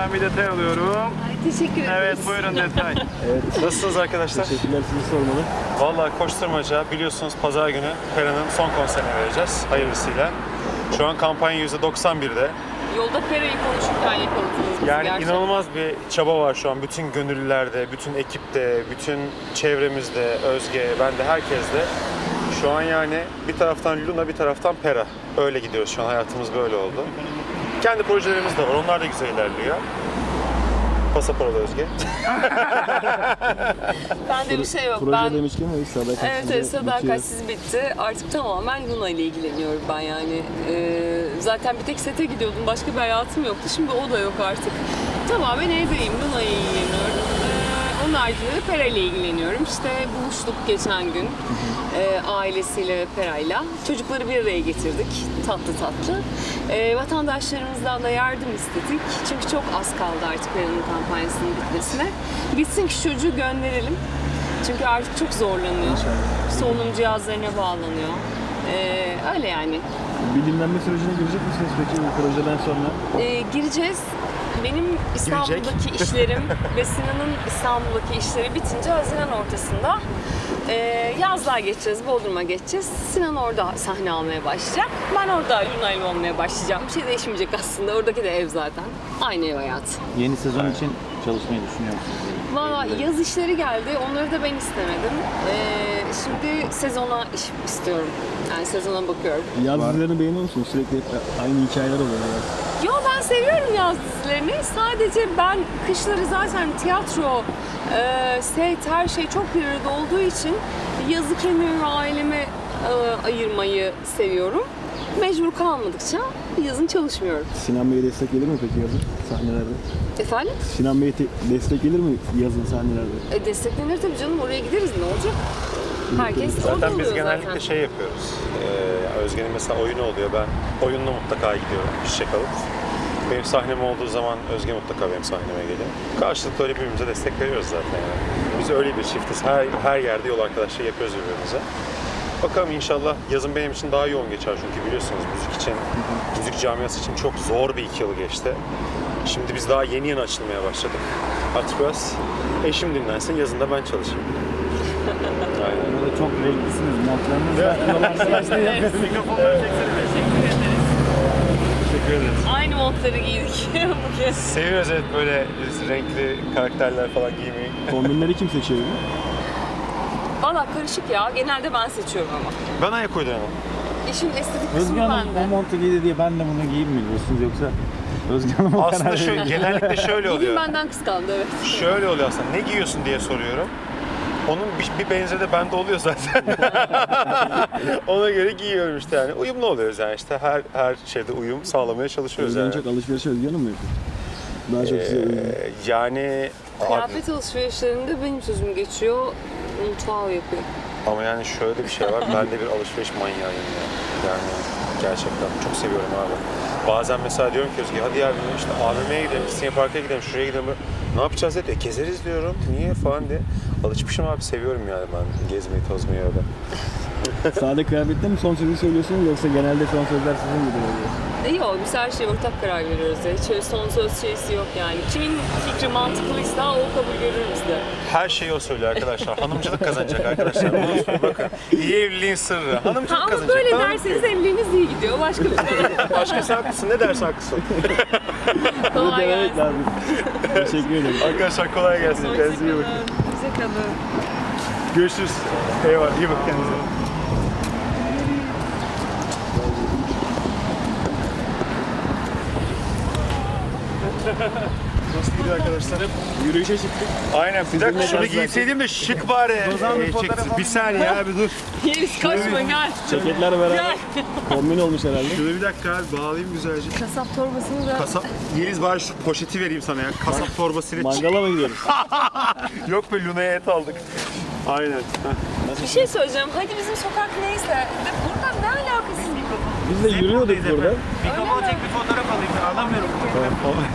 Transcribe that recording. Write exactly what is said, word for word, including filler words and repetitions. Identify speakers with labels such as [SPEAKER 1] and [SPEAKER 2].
[SPEAKER 1] Ben bir detay alıyorum.
[SPEAKER 2] Ay, teşekkür ederim.
[SPEAKER 1] Evet, buyurun detay.
[SPEAKER 3] Evet.
[SPEAKER 4] Nasılsınız arkadaşlar?
[SPEAKER 3] Teşekkürler, sizi sormalı.
[SPEAKER 4] Vallahi koşturmaca biliyorsunuz pazar günü Pera'nın son konserini vereceğiz hayırlısıyla. Şu an kampanya yüzde doksan birde.
[SPEAKER 2] Yolda Pera'yı konuşurken yakaladınız bizi
[SPEAKER 4] Yani
[SPEAKER 2] gerçekten.
[SPEAKER 4] inanılmaz bir çaba var şu an bütün gönüllülerde, bütün ekipte, bütün çevremizde, Özge, ben de herkeste. Şu an yani bir taraftan Luna, bir taraftan Pera. Öyle gidiyoruz şu an, hayatımız böyle oldu. Kendi projelerimiz de var, onlar da güzel ilerliyor. Pasaport Özge.
[SPEAKER 2] Bende bir şey yok.
[SPEAKER 3] Proje
[SPEAKER 2] Ben
[SPEAKER 3] demişken o iş sadakat
[SPEAKER 2] Evet, evet sadakatsiz bitti. Artık tamamen Luna ile ilgileniyorum ben yani. Ee, zaten bir tek sete gidiyordum. Başka bir hayatım yoktu. Şimdi o da yok artık. Tamamen evdeyim. Luna ile ilgileniyorum. Ee, onun haricinde de Pera ile ilgileniyorum. İşte buluştuk geçen gün. Ee, ailesiyle ve Pera'yla. Çocukları bir araya getirdik. Tatlı tatlı. Ee, vatandaşlarımızdan da yardım istedik. Çünkü çok az kaldı artık Pera'nın kampanyasının bitmesine. Bitsin ki çocuğu gönderelim. Çünkü artık çok zorlanıyor. Solunum cihazlarına bağlanıyor. Ee, öyle yani.
[SPEAKER 3] Bilimlenme sürecine girecek misiniz peki bu projeden sonra?
[SPEAKER 2] Ee, gireceğiz. Benim İstanbul'daki işlerim ve Sinan'ın İstanbul'daki işleri bitince Haziran ortasında e, yazlığa geçeceğiz, Bodrum'a geçeceğiz. Sinan orada sahne almaya başlayacak. Ben orada Luna ile olmaya başlayacağım. Bir şey değişmeyecek aslında. Oradaki de ev zaten. Aynı ev hayatı.
[SPEAKER 3] Yeni sezon için çalışmayı düşünüyor musunuz?
[SPEAKER 2] Valla yaz işleri geldi. Onları da ben istemedim. Ee, şimdi sezona iş istiyorum. Yani sezona bakıyorum.
[SPEAKER 3] Yaz dizilerini beğeniyor musunuz? Sürekli aynı hikayeler oluyor. Yani.
[SPEAKER 2] Yo, ben seviyorum yaz dizilerini. Sadece ben kışları zaten tiyatro, e, set, her şey çok bir arada olduğu için yazı kendime ve aileme e, ayırmayı seviyorum. Mecbur kalmadıkça yazın çalışmıyorum.
[SPEAKER 3] Sinan Bey'e destek gelir mi peki yazın sahnelerde?
[SPEAKER 2] Efendim?
[SPEAKER 3] Sinan Bey'e te- destek gelir mi yazın sahnelerde?
[SPEAKER 2] E, desteklenir tabii canım. Oraya gideriz, ne olacak? Herkes orada
[SPEAKER 4] Zaten
[SPEAKER 2] oluyor
[SPEAKER 4] biz genellikle
[SPEAKER 2] zaten.
[SPEAKER 4] şey yapıyoruz. Ee, Özge'nin mesela oyunu oluyor, ben oyunla mutlaka gidiyorum çiçek alıp. Benim sahnem olduğu zaman Özge mutlaka benim sahneme geliyor. Karşılıklı öyle birbirimize destek veriyoruz zaten yani. Biz öyle bir çiftiz. Her, her yerde yol arkadaşlığı yapıyoruz birbirimize. Bakalım inşallah yazın benim için daha yoğun geçer çünkü biliyorsunuz müzik için, müzik camiası için çok zor bir iki yıl geçti. Şimdi biz daha yeni yeni açılmaya başladık. Artık biraz eşim dinlensin, yazın da ben çalışayım. Aynen.
[SPEAKER 3] Burada çok renklisiniz. Montlarınız da
[SPEAKER 1] Mikrofonları çeksene. Teşekkür ederiz.
[SPEAKER 4] Teşekkür ederiz.
[SPEAKER 2] Aynı montları giydik bu kez.
[SPEAKER 4] Seviyoruz evet böyle renkli karakterler falan giymeyi.
[SPEAKER 3] kombinleri kim seçiyor?
[SPEAKER 2] Valla karışık ya. Genelde ben seçiyorum ama.
[SPEAKER 4] Ben ayak uyduremem.
[SPEAKER 2] İşin estetik
[SPEAKER 3] Özge
[SPEAKER 2] kısmı
[SPEAKER 3] Hanım
[SPEAKER 2] bende.
[SPEAKER 3] o montu giydi diye ben de bunu giyeyim mi diyorsunuz yoksa Özge Hanım o
[SPEAKER 4] Aslında
[SPEAKER 3] karar
[SPEAKER 4] şu,
[SPEAKER 3] veriyor.
[SPEAKER 4] genellikle şöyle
[SPEAKER 2] Bugün
[SPEAKER 4] oluyor.
[SPEAKER 2] benden kıskandı, evet.
[SPEAKER 4] Şöyle oluyor aslında. Ne giyiyorsun diye soruyorum. Onun bir, bir benzeri de bende oluyor zaten. Ona göre giyiyorum işte yani. Uyumlu oluyoruz yani işte her her şeyde uyum sağlamaya çalışıyoruz
[SPEAKER 3] Özge'nin
[SPEAKER 4] yani.
[SPEAKER 3] çok alışveriş Özge Hanım mı yapıyor? Daha çok size uyuyor.
[SPEAKER 4] Ee, yani
[SPEAKER 2] Kıyafet alışverişlerinde benim sözüm geçiyor. Mutfağı o yapıyor.
[SPEAKER 4] ama yani şöyle bir şey var. Ben de bir alışveriş manyağıyım ya. Yani gerçekten çok seviyorum abi. Bazen mesela diyorum ki Özge hadi ya işte A V M'ye gidelim, Disney Park'a gidelim, şuraya gidelim. Ne yapacağız dedi. E, gezeriz diyorum. Niye falan diye. Alışmışım abi, seviyorum yani ben gezmeyi, tozmayı öyle.
[SPEAKER 3] Sade kıyafette mi son sözü söylüyorsunuz yoksa genelde son sözler sizin gibi oluyor?
[SPEAKER 2] E yok, biz her şeye ortak karar veriyoruz ya. Hiç öyle son söz şeysi yok yani. Kimin fikri mantıklıysa o kabul görür bizde.
[SPEAKER 4] Her şeyi o söylüyor arkadaşlar. Hanımcılık kazanacak arkadaşlar. Unutmayın bakın. İyi evliliğin sırrı. Hanımcılık
[SPEAKER 2] Ha, ama
[SPEAKER 4] kazanacak.
[SPEAKER 2] böyle
[SPEAKER 4] Tamam.
[SPEAKER 2] derseniz evliliğiniz iyi gidiyor. Başka bir şey.
[SPEAKER 4] Başka sen haklısın. Ne derse haklısın.
[SPEAKER 3] Bunu
[SPEAKER 2] Kolay
[SPEAKER 3] denemek
[SPEAKER 2] gelsin.
[SPEAKER 3] lazım. Teşekkür ederim.
[SPEAKER 4] Arkadaşlar kolay gelsin. Kendinize iyi bakın.
[SPEAKER 2] Bize kalın.
[SPEAKER 4] Görüşürüz. Eyvallah. İyi bakın kendinize. Nasıl gidiyor arkadaşlar?
[SPEAKER 3] Yürüyüşe çıktık.
[SPEAKER 4] Aynen. Bir dakika şunu
[SPEAKER 3] biraz
[SPEAKER 4] giyseydim de şık bari. Ee, çeksin. Bir saniye abi dur.
[SPEAKER 2] Yeliz kaçma, gel.
[SPEAKER 3] Ceketler beraber
[SPEAKER 2] Gel.
[SPEAKER 3] kombin olmuş herhalde.
[SPEAKER 4] Şunu bir dakika abi bağlayayım güzelce.
[SPEAKER 2] Kasap torbasını da...
[SPEAKER 4] Kasap, Yeliz bari şu poşeti vereyim sana ya. Kasap torbasıyla.
[SPEAKER 3] Mangala mı gidiyoruz?
[SPEAKER 4] Yok be, Luna'ya et aldık. Aynen. Heh.
[SPEAKER 2] Bir şey söyleyeceğim. Hadi bizim sokak neyse. De buradan ne alakası?
[SPEAKER 3] Biz de yürüyorduk burada.
[SPEAKER 1] Mikrofon çek, bir fotoğraf alayım. Alamıyorum.